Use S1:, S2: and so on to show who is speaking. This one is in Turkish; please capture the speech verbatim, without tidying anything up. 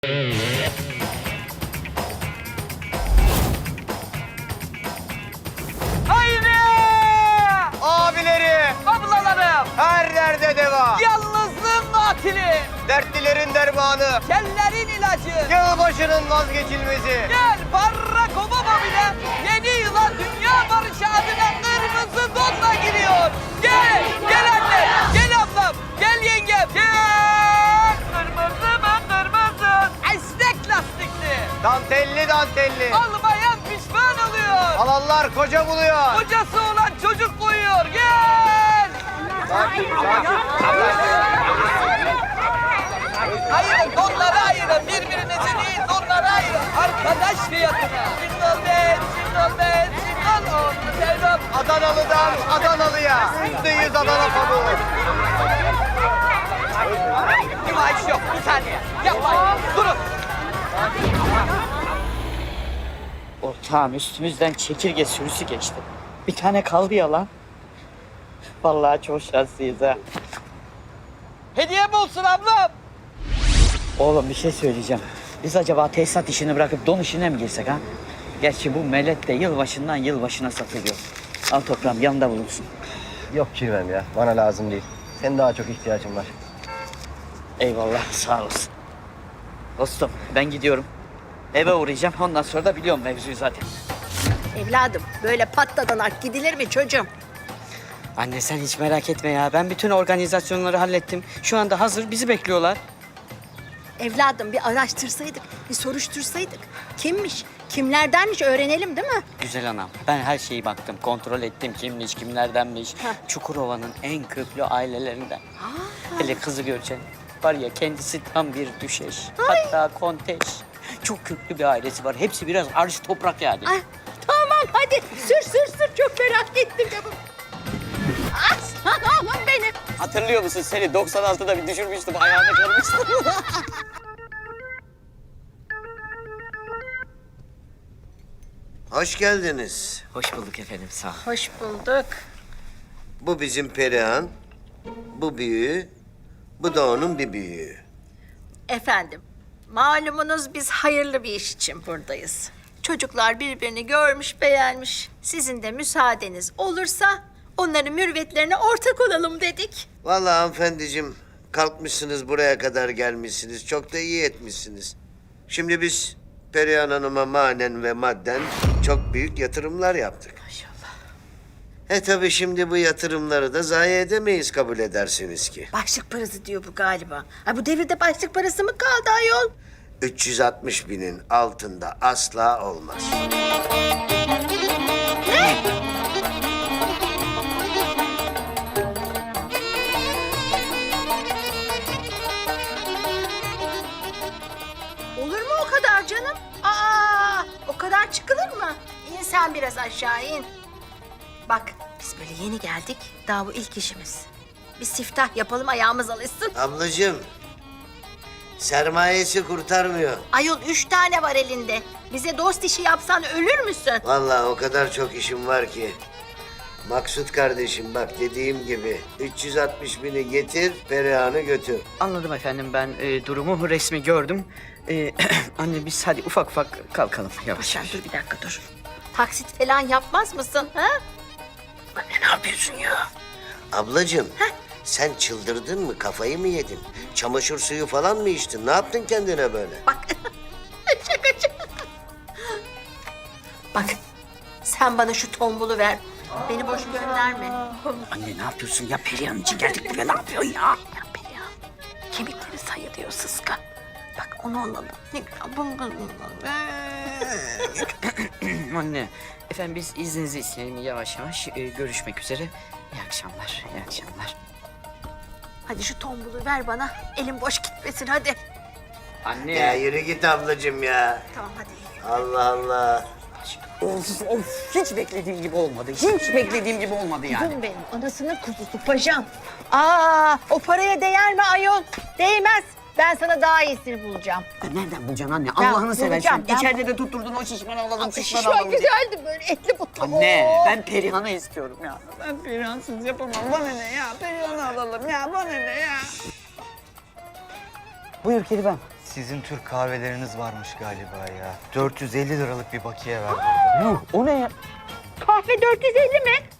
S1: Haydi!
S2: Abileri,
S1: Ablalarım!
S2: her derde deva.
S1: Yalnızlığın katili!
S2: Dertlilerin dermanı.
S1: Kellerin ilacı!
S2: Yılbaşının vazgeçilmezi.
S1: Gel Barack Obama bile yeni yıla dünya barışı adına kırmızı donla giriyor. Gel, gel anne, gel ablam, gel yengem, gel. Kırmızı mı kırmızı? Esnek lastikli.
S2: Dantelli dantelli.
S1: Almayan pişman oluyor.
S2: Alanlar koca buluyor.
S1: Kocası olan çocuk koyuyor. Gel.
S2: Sakin, sakin.
S1: Hayır, donları ayırın. Birbirinizi değil, donları ayırın. Arkadaş fiyatına. Single bed, single bed, single on the bed of...
S2: Adanalı'dan Adanalı'ya. Yüzde yüz Adana pamuğu.
S1: Nümayiş yok, bir saniye. Yapmayın, durun.
S3: Ortağım üstümüzden çekirge sürüsü geçti. Bir tane kaldı ya lan. Vallahi çok şanslıyız ha.
S1: Hediye mi olsun ablam?
S3: Oğlum bir şey söyleyeceğim. Biz acaba tesisat işini bırakıp don işine mi girsek ha? Gerçi bu melet de yılbaşından yılbaşına satılıyor. Al toprağım yanında bulunsun.
S4: Yok Kirvem ya. Bana lazım değil. Senin daha çok ihtiyacın var.
S3: Eyvallah sağ olasın. Dostum ben gidiyorum. Eve uğrayacağım ondan sonra da biliyorum mevzuyu zaten.
S5: Evladım böyle patladanak gidilir mi çocuğum?
S3: Anne sen hiç merak etme ya. Ben bütün organizasyonları hallettim. Şu anda hazır bizi bekliyorlar.
S5: Evladım bir araştırsaydık, bir soruştursaydık. Kimmiş, kimlerdenmiş öğrenelim değil mi?
S3: Güzel anam. Ben her şeyi baktım. Kontrol ettim kimmiş, kimlerdenmiş.
S5: Heh.
S3: Çukurova'nın en köklü ailelerinden. Hele kızı göreceksin. Var ya kendisi tam bir düşeş. Hatta konteş. Çok köklü bir ailesi var. Hepsi biraz arş toprak yani.
S5: Ay, tamam hadi sür sür sür çok merak ettim canım. Aslan oğlum benim.
S3: Hatırlıyor musun seni doksan altıda bir düşürmüştüm. Ayağını kırmıştım.
S6: Hoş geldiniz.
S3: Hoş bulduk efendim sağ ol.
S5: Hoş bulduk.
S6: Bu bizim Perihan, bu büyüğü, bu da onun bir büyüğü.
S5: Efendim, malumunuz biz hayırlı bir iş için buradayız. Çocuklar birbirini görmüş, beğenmiş. Sizin de müsaadeniz olursa onların mürüvvetlerine ortak olalım dedik.
S6: Vallahi hanımefendiciğim, kalkmışsınız buraya kadar gelmişsiniz. Çok da iyi etmişsiniz. Şimdi biz Perihan Hanım'a manen ve madden çok büyük yatırımlar yaptık.
S5: Maşallah.
S6: E tabii şimdi bu yatırımları da zayi edemeyiz kabul edersiniz ki.
S5: Başlık parası diyor bu galiba. Ay bu devirde başlık parası mı kaldı ayol?
S6: üç yüz altmış binin altında asla olmaz.
S5: Olur mu o kadar canım? Aa, o kadar çıkılır mı? İn sen biraz aşağı in. Bak biz böyle yeni geldik. Daha bu ilk işimiz. Bir siftah yapalım ayağımız alışsın.
S6: Ablacığım, sermayesi kurtarmıyor.
S5: Ayol üç tane var elinde. Bize dost işi yapsan ölür müsün?
S6: Vallahi o kadar çok işim var ki. Maksut kardeşim bak dediğim gibi üç yüz altmış bini getir, Perihan'ı götür.
S3: Anladım efendim ben e, durumu resmi gördüm. E, anne biz hadi ufak ufak kalkalım yavaş
S5: Sen
S3: yavaş.
S5: dur bir dakika dur. Taksit falan yapmaz mısın ha?
S3: Anne ne yapıyorsun ya?
S6: Ablacığım, sen çıldırdın mı, kafayı mı yedin? Çamaşır suyu falan mı içtin? Ne yaptın kendine böyle?
S5: Bak. Şakacı. Bak. Sen bana şu tombulu ver. Beni boş gönderme.
S3: Anne ne yapıyorsun ya Perihan için geldik buraya ne yapıyorsun ya?
S5: Ya Perihan, kemikleri sayılıyor sıska. Bak onu alalım. Ne güzel bunu bunu
S3: Anne efendim biz izninizi isteyelim yavaş yavaş e, görüşmek üzere. İyi akşamlar, iyi akşamlar.
S5: Hadi şu tombulu ver bana. Elim boş gitmesin hadi.
S3: Anne.
S6: Ya yürü git ablacığım ya.
S5: Tamam hadi.
S6: Allah Allah.
S3: Of of hiç beklediğim gibi olmadı. Hiç beklediğim gibi olmadı yani.
S5: Kuzum benim, anasının kuzusu paşam. Aa, o paraya değer mi ayol? Değmez. Ben sana daha iyisini bulacağım.
S3: Ya nereden bulacaksın anne? Allah'ını seversen.
S5: bulacağım, ben-
S3: İçeride de tutturdun o şişmanı alalım, şişmanı
S5: Şişman
S3: alalım diye.
S5: güzeldi böyle etli butlu.
S3: Anne
S5: Oo.
S3: ben Perihan'ı istiyorum ya. Ben Perihan'sız yapamam. Bana ne ya? Perihan'ı alalım ya. Bana ne ya? Buyur Kirvem.
S2: Sizin Türk kahveleriniz varmış galiba ya. dört yüz elli liralık bir bakiye var burada.
S5: Kahve dört yüz elli mi?